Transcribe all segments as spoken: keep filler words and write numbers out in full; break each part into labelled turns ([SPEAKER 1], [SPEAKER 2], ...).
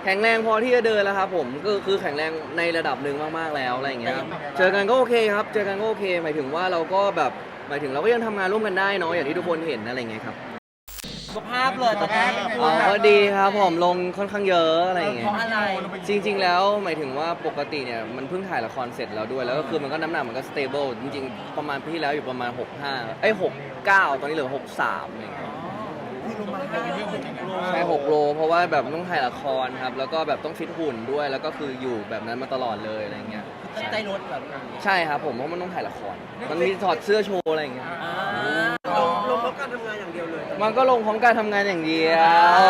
[SPEAKER 1] แข็งแรงพอที่จะเดินแล้วครับผมก็คือแข็งแรงในระดับหนึ่งมากๆแล้วอะไรอย่างเงี้ยครับเจอกันก็โอเคครับเจอกันก็โอเคหมายถึงว่าเราก็แบบหมายถึงเราก็ยังทำงานร่วมกันได้เนาะอย่างที่ทุกคนเห็นอะไรอย่างเงี้ยครับ
[SPEAKER 2] สุขภาพเลยตอนนี้
[SPEAKER 1] อ๋อก็ดีครับผมลงค่อนข้างเยอะอะไรอย่างเงี้
[SPEAKER 2] เพ
[SPEAKER 1] ย
[SPEAKER 2] ราะอะไร
[SPEAKER 1] จริง ๆ แล้วหมายถึงว่าปกติเนี่ยมันเพิ่งถ่ายละครเสร็จแล้วด้วยแล้วก็คือมันก็น้ำหนักมันก็สเตเบิลจริงๆประมาณปีที่แล้วอยู่ประมาณหกสิบห้าเอ้ยหกสิบเก้าตอนนี้เหลือหกสิบสามอะไรอย่างเงี้ย
[SPEAKER 2] คือลงมาห้าเรื่องโล
[SPEAKER 1] ใช่หกโลเพราะว่าแบบต้องถ่ายละครครับแล้วก็แบบต้องฟิตหุ่นด้วยแล้วก็คืออยู่แบบนั้นมาตลอดเลยอะไรเงี้ย
[SPEAKER 2] ตั้งใจลดแบบ
[SPEAKER 1] ใช่ครับผมเพราะมันต้องถ่ายละครมันมีถอดเสื้อโชว์อะไรอย่างเงี้ย
[SPEAKER 2] ลงลงเพราะการทำงานอย่างเดียวเลย
[SPEAKER 1] มันก็ลงพร้อมการทำงานอย่างเดียว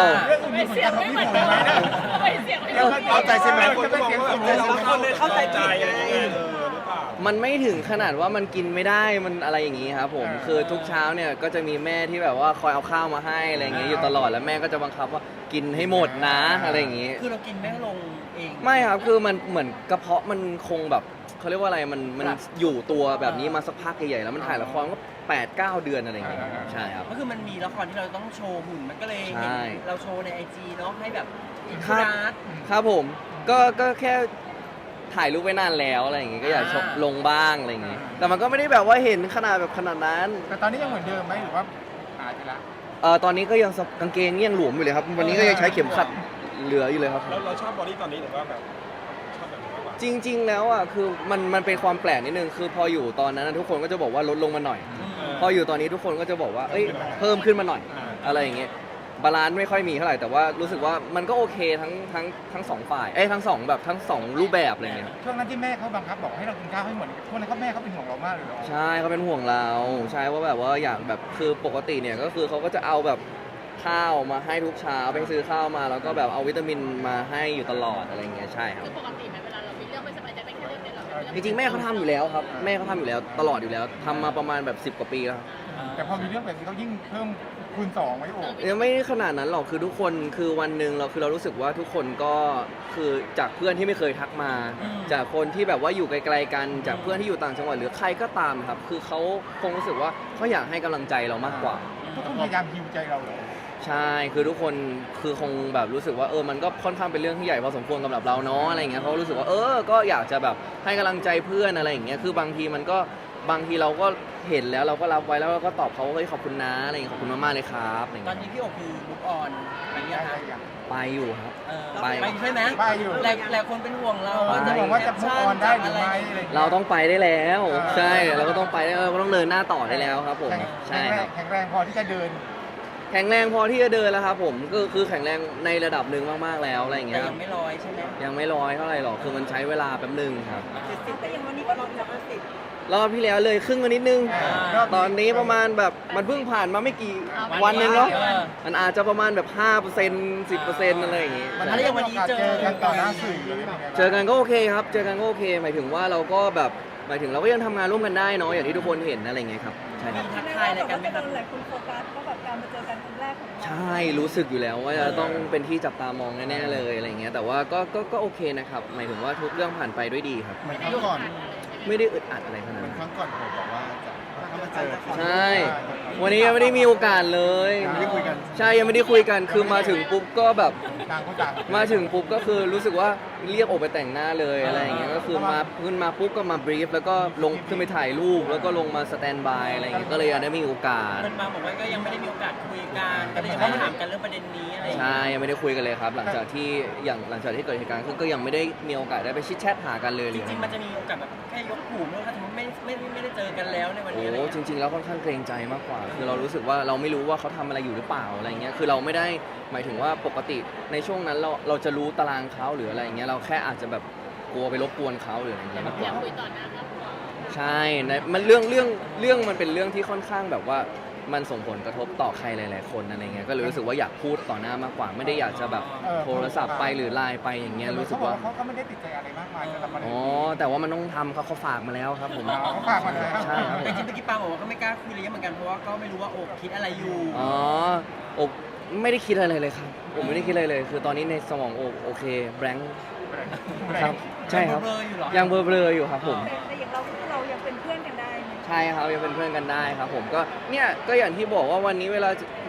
[SPEAKER 3] ไม่เสียงไม่เหมือนกันไม่เสียงไม่เหมือนกัน
[SPEAKER 4] เข้าใจใช่ไหมคนก็
[SPEAKER 2] เสียงสุดเลยบางคนเลยเข้าใจผิดไง
[SPEAKER 1] มันไม่ถึงขนาดว่ามันกินไม่ได้มันอะไรอย่างงี้ครับผมคือทุกเช้าเนี่ยก็จะมีแม่ที่แบบว่าคอยเอาข้าวมาให้อะไรอย่างเงี้ยอยู่ตลอดแล้วแม่ก็จะบังคับว่ากินให้หมดนะอะไรอย่างงี้
[SPEAKER 2] คือเรากินไม่ลงเอง
[SPEAKER 1] ไม่ครับคือมันเหมือนกระเพาะมันคงแบบเขาเรียกว่าอะไรมันมันอยู่ตัวแบบนี้มาสักพักใหญ่ๆแล้วมันถ่ายละครก็แปดเก้าเดือนอะไรอย่างเงี้ยใช่ครับ
[SPEAKER 2] ก็คือมันมีละครที่เราต้องโชว์หุ่นมันก็เลยเห็น
[SPEAKER 1] ใช่
[SPEAKER 2] เราโชว์ในไอจีเนาะให้แบบอิน
[SPEAKER 1] ค
[SPEAKER 2] ฟู
[SPEAKER 1] รับ
[SPEAKER 2] นัส
[SPEAKER 1] ครับผมก็ก็แค่ถ่ายรูปไว้นานแล้วอะไรอย่างเงี้ยก็อยากชม
[SPEAKER 2] อ่า
[SPEAKER 1] ลงบ้างอะไรอย่างเงี้ยแต่มันก็ไม่ได้แบบว่าเห็นขนาดแบบขนาดนั้น
[SPEAKER 4] แต่ตอนนี้ยังเหมือนเดิมไหมหรือว่าหายไปละ
[SPEAKER 1] เออตอนนี้ก็ยังสกางเกงยังหลวมอยู่เลยครับวันนี้ก็ยังใช้เข็มขัดเหลืออยู่เลยครับ
[SPEAKER 5] เราเราชอบบอดี้ตอนนี้หรือว่าแบบชอบแบบไหนมากกว่า
[SPEAKER 1] จริง ๆ แล้วอ่ะคือมันมันเป็นความแปลกนิดนึงคือพออยู่ตอนนั้นนะทุกคนก็จะบอกว่าลดลงมาหน่อย พออยู่ตอนนี้ทุกคนก็จะบอกว่าเอ้ยเพิ่มขึ้นมาหน่อย อะไรอย่างเงี้ยบาลานซ์ไม่ค่อยมีเท่าไหร่แต่ว่ารู้สึกว่ามันก็โอเคทั้งทั้งทั้งสองฝ่ายเอ้ยทั้งสองแบบทั้งสองรูปแบบอะไรเงี้ย
[SPEAKER 4] ช่วงนั้นที่แม่เขาบังคับบอกให้เรากินข้าวให้หมดช่วงนั้นเขาแม่เขาเป็นห่วงเรามากเลยเหรอ
[SPEAKER 1] ใช่เขาเป็นห่วงเราใช่ว่าแบบว่าอยากแบบคือปกติเนี่ยก็คือเขาก็จะเอาแบบข้าวมาให้ทุกเช้าไปซื้อข้าวมาแล้วก็แบบเอาวิตามินมาให้อยู่ตลอดอะไรเงี้ยใช่ครับ
[SPEAKER 3] คือปกติไหมเวลาเรามีเรื่องไม่สบายใจเป็นแค่เรื่องเดียวเรา
[SPEAKER 1] จริงๆแม่เขาทำอยู่แล้วครับแม่เขาทำอยู่แล้วตลอดอยู่แล้วทำมาประมาณแบบสิบกว่าปีแล้วครับ
[SPEAKER 4] แต่พอมีเรื่องแบบนี้เขายิ่งเพิ่มคูณสองไว้โอ้
[SPEAKER 1] ยังไม่ขนาดนั้นหรอกคือทุกคนคือวันหนึ่งเราคือเรารู้สึกว่าทุกคนก็คือจากเพื่อนที่ไม่เคยทักมา จากคนที่แบบว่าอยู่ไกลๆกันจากเพื่อนที่อยู่ต่างจังหวัดหรือใครก็ตามครับคือเขาคงรู้สึกว่าเขาอยากให้กำลังใจเรามากกว่า
[SPEAKER 4] ทุกคนพยายามฮิวใจเราเหรอ
[SPEAKER 1] ใช่คือทุกคนคือคงแบบรู้สึกว่าเออมันก็ค่อนข้างเป็นเรื่องที่ใหญ่พอสมควรสำหรับเราเนาะอะไรอย่างเงี้ยเขารู้สึกว่าเออก็อยากจะแบบให้กำลังใจเพื่อนอะไรอย่างเงี้ยคือบางทีมันก็บางทีเราก็เห็นแล้วเราก็รับไว้แล้วเราก็ตอบเขาว่าเฮ้ยขอบคุณนะอะไรอย่างเงี้ยขอบคุณมากๆเลยครับอะไรอย่าง
[SPEAKER 2] ตอน
[SPEAKER 1] เงี้ย
[SPEAKER 2] นี้พี่โอคือลุกออนอะไรเงี้ยค่ะ
[SPEAKER 1] ไปอยู่ครับ
[SPEAKER 2] เออ
[SPEAKER 1] ไป
[SPEAKER 2] ไปใช่ไหม
[SPEAKER 4] ไปอยู่
[SPEAKER 2] หลายหลายคนเป็นห่วงเรา
[SPEAKER 1] ไป
[SPEAKER 2] ว่าจะ
[SPEAKER 4] จะบอกว่าจะมุกออนได้หรือไม่อะไรอย่างเงี้ย
[SPEAKER 1] เราต้องไปได้แล้ว
[SPEAKER 4] อ่า
[SPEAKER 1] ใช่เราก็ต้องไปได้เราก็ต้องเดินหน้าต่อได้แล้วครับผม
[SPEAKER 4] แข็ง
[SPEAKER 1] ใช่ครับ
[SPEAKER 4] แข็งแรงพอที่จะเดิน
[SPEAKER 1] แข็งแรงพอที่จะเดินแล้วครับผมก็คือแข็งแรงในระดับหนึ่งมากๆแล้วอะไรอย่าง
[SPEAKER 2] แต่
[SPEAKER 1] เงี้ย
[SPEAKER 2] ยังไม่ร้อยใช่ไหม
[SPEAKER 1] ยังไม่ร้อยเท่าไหร่หรอกคือมันใช้เวลาแป๊บหนึงครับ
[SPEAKER 2] สิบแต่ยังวันนี้ก็ลดจากสิบ
[SPEAKER 1] รอบที่แล้วเลยครึ่งมานิดนึง
[SPEAKER 4] อ่า
[SPEAKER 1] ตอนนี้ประมาณแบบมันเพิ่งผ่านมาไม่กี่วันเองเนาะ
[SPEAKER 2] เออ
[SPEAKER 1] มันอาจจะประมาณแบบห้าเปอร์เซ็นต์สิบเปอร์เซ็นต์อะไรอย่างงี้
[SPEAKER 4] มัน
[SPEAKER 2] แล้วอย่างวันนี้เจอ
[SPEAKER 4] กันต่อหน้าสื่อเลยเป็นไงบ้าง
[SPEAKER 1] เจอกันก็โอเคครับ เจอกันก็โอเค หมายถึงว่าเราก็แบบหมายถึงเราก็ยังทำงานร่วมกันได้เนาะอย่างที่ทุกคนเห็นอะไรอย่างเงี้ยครับใช่ค
[SPEAKER 2] มี
[SPEAKER 1] รับ
[SPEAKER 2] ทักทายอะไรกันไหมครับ
[SPEAKER 6] หลายคนโฟกัสว่าแบบการมาเจอกันครั้งแรกของเรา
[SPEAKER 1] ใช่รู้สึกอยู่แล้วว่าจะต้องเป็นที่จับตามองแน่ๆเลยอะไรอย่างเงี้ยแต่ว่าก็ก็ก็โอเคนะครับหมายถึงว่าทุกเรื่องผ่านไปด้วยดีครับ
[SPEAKER 4] เหมือนครั้งก่อน
[SPEAKER 1] ไม่ได้อึดอัดอะไรขนาด
[SPEAKER 4] เหมือน
[SPEAKER 1] นั้น
[SPEAKER 4] ครั้งก่อนผมบอกว่าจะถ้ามาเจอ
[SPEAKER 1] ใช่ วันนี้ยังไม่ได้มีโอกาสเลย
[SPEAKER 4] ยังไม่ได้คุยกัน
[SPEAKER 1] ใช่ยังไม่ได้คุยกันคือมาถึงปุ๊บก็แบบ
[SPEAKER 4] ต่างคนต่าง
[SPEAKER 1] มาถึงปุ๊บก็คือรู้สึกว่าเรียกออกไปแต่งหน้าเลยอะไรอย่างเงี้ยก็คือมาขึ้นมาปุ๊บก็มาบรีฟแล้วก็ลงขึ้นไปถ่ายรูปแล้วก็ลงมาสแตนบายอะไรอย่างเงี้ยก็เลยยังได้มีโอกาส
[SPEAKER 2] มันมาบอกว่าก็ยังไม่ได้มีโอกาสคุยกันก็เลยยังไม่ได้ถามกันเรื่องประเด็นนี้อะไรอย่างเงี้ย
[SPEAKER 1] ใช่ยังไม่ได้คุยกันเลยครับ หลังจากที่อย่างหลังจากที่เกิดเหตุการณ์ขึ้นก็ยังไม่ได้มีโอกาสได้ไปชิดแชทหากันเลย
[SPEAKER 2] จริงๆมันจะมีโอกาสแบบแค่ยกหูเมื่อถ้าสมมติไม่ไม่ไม่ได้เจอกันแล้วในวัน
[SPEAKER 1] โอ้
[SPEAKER 2] นี้อะไร
[SPEAKER 1] จ
[SPEAKER 2] เงี้ย
[SPEAKER 1] ริง ๆ แล้วค่อนข้างเกรงใจมากกว่า คือเรารู้สึกว่าเราไม่รู้ว่าเขาทำอะไรอยู่หรือเปล่าอะไรเงี้ยคือเราไม่ได้หมายถึงว่าปกติในช่วงนั้นเราเราจะรู้ตารางเขาหรืออะไรเงี้ยเราแค่อาจจะแบบกลัวไปรบกวนเขาหรืออะไรเงี้ยมากก
[SPEAKER 3] อยา
[SPEAKER 1] ว่า
[SPEAKER 3] กคุยต่อหน้าครับ
[SPEAKER 1] ใช่นะมันเรื่องเรื่องเรื่องมันเป็นเรื่องที่ค่อนข้างแบบว่ามันส่งผลกระทบต่อใครหลาย ๆ คนอะไรเงี้ยก็เลยรู้สึกว่าอยากพูดต่อหน้ามากกว่า ไม่ได้อยากจะแบบโทรศัพท์ไปหรือไลน์ไปอย่างเงี้ยรู้สึกว่า
[SPEAKER 4] เขาก็ไม่ได้ติดใจอะไรมากมายสำหรับมัน
[SPEAKER 1] อ๋อแต่ว่ามันต้องทำเขาเขาฝากมาแล้วครับผม
[SPEAKER 4] เขาฝากมาแล้ว
[SPEAKER 1] ใช่ครับ
[SPEAKER 2] แต่จริงๆเมื่อกี้ปาบอกว่าเขาไม่กล้าคุยอะไรเงี้ยเหมือนกันเพราะว่าก็ไม่รู้ว่าโอบคิดอะไรอยู่
[SPEAKER 1] อ๋อโอบไม่ได้คิดอะไรเลยครับผมไม่ได้คิดอะไรเลย คือตอนนี้ในสมองโอบโอเคแบงค์ครับใช่ครับ
[SPEAKER 2] เบลอๆอยู่เหรอ
[SPEAKER 1] ยังเบลอๆอยู่ครับผม
[SPEAKER 6] แต่แต่อย่างเราคือเรายังเป็นเพื่อนกันได้ไหม
[SPEAKER 1] ใช่ครับยังเป็นเพื่อนกันได้ครับผมก็เนี่ยก็อย่างที่บอกว่าวันนี้เวลา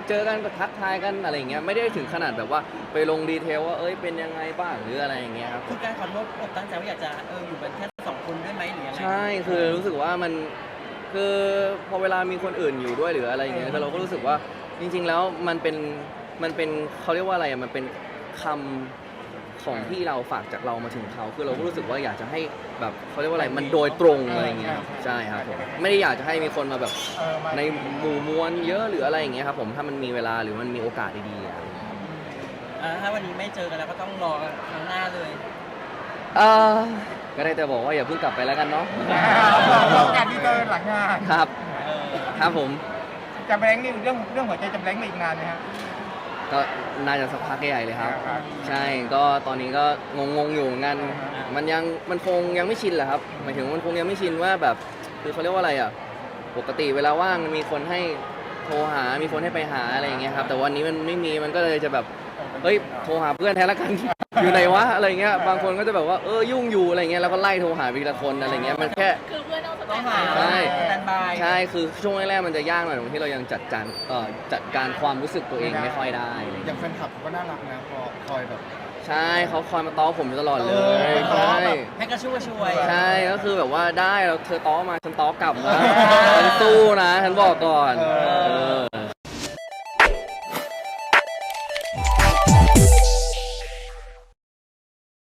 [SPEAKER 1] เจอกันก็ทักทายกันอะไรอย่างเงี้ยไม่ได้ถึงขนาดแบบว่าไปลงดีเทลว่าเอ้ยเป็นยังไงบ้างหรืออะไรอย่างเงี้ยครับ
[SPEAKER 2] คือการขอโทษอกตั้งใจว่าอยากจะเอออยู่กันแค่สองคนด้วยไหมหรือยังไง
[SPEAKER 1] ใช่คือรู้สึกว่ามันคือพอเวลามีคนอื่นอยู่ด้วยหรืออะไรอย่างเงี้ยคือเราก็รู้สึกว่าจริง ๆ แล้วมันเป็นมันเป็นเขาเรียกว่าอะไรอะมันเป็นคำของที่เราฝากจากเรามาถึงเขาคือเราก็รู้สึกว่าอยากจะให้แบบเขาเรียกว่าอะไรมันโดยตรงอะไรอย่างเงี้ยใช่ครับผมไม่ได้อยากจะให้มีคนมาแบบ
[SPEAKER 4] เออมา
[SPEAKER 1] ในหมู่มวลเยอะหรืออะไรอย่างเงี้ยครับผมถ้ามันมีเวลาหรือมันมีโอกาสดีๆอะ
[SPEAKER 2] อ่าถ้าวันนี้ไม่เจอกันแล้วก็ต้องรอครั้งหน้าเลย
[SPEAKER 1] เออก็ได้แต่บอกว่าอย่าเพิ่งกลับไปแล้วกันเนาะ
[SPEAKER 4] เราการที่เจอหลังงาน
[SPEAKER 1] ครับ
[SPEAKER 2] เออ
[SPEAKER 1] ครับผม
[SPEAKER 4] จำแรงนี่เรื่องเรื่องหัวใจจำแรงไปอีกนานไหมครับ
[SPEAKER 1] ก็น่าจะสักพักใหญ่เลยครับ
[SPEAKER 4] ครับ
[SPEAKER 1] ใช่ก็ตอนนี้ก็งงๆอยู่เหมือนกันมันยังมันคงยังไม่ชินแหละครับหมายถึงมันคงยังไม่ชินว่าแบบคือเขาเรียกว่าอะไรอ่ะปกติเวลาว่างมีคนให้โทรหา มีคนให้ไปหาอะไรอย่างเงี้ยครับแต่วันนี้มันไม่มีมันก็เลยจะแบบเฮ้ยโทรหาเพื่อนแทนละกัน อยู่ไหนวะอะไรเงี้ยบางคนก็จะแบบว่าเออยุ่งอยู่อะไรเงี้ยแล้วก็ไล่โทรหาไปทีละคนอะไรเงี้ยมันแค่
[SPEAKER 3] คือเพื่อนต้องส
[SPEAKER 2] ต้
[SPEAKER 3] บา
[SPEAKER 2] อง
[SPEAKER 3] ย
[SPEAKER 2] หา
[SPEAKER 1] ใช่
[SPEAKER 2] สแตนบาย
[SPEAKER 1] ใช่คือช่วงแรกๆมันจะยากหน่อยตรงที่เรายังจัดการเอ่อจัดการความรู้สึกตัวเองไม่ค่อยได้อะไร
[SPEAKER 4] อ
[SPEAKER 1] เงี้ย
[SPEAKER 4] ย่างแฟนคลับก็น่ารักนะพอคอยแบบ
[SPEAKER 1] ใช่เขาคอยมาต้อผมอยู่ตลอดเล
[SPEAKER 4] เอย อ
[SPEAKER 1] ใช่
[SPEAKER 2] ให้กระชุ่มกระชวย
[SPEAKER 1] ใช่ก็คือแบบว่าได้แล้วเธอต้อมาฉันต้อกลับนะฉันสู้นะฉันบอกก่อน
[SPEAKER 4] เออ
[SPEAKER 1] เออ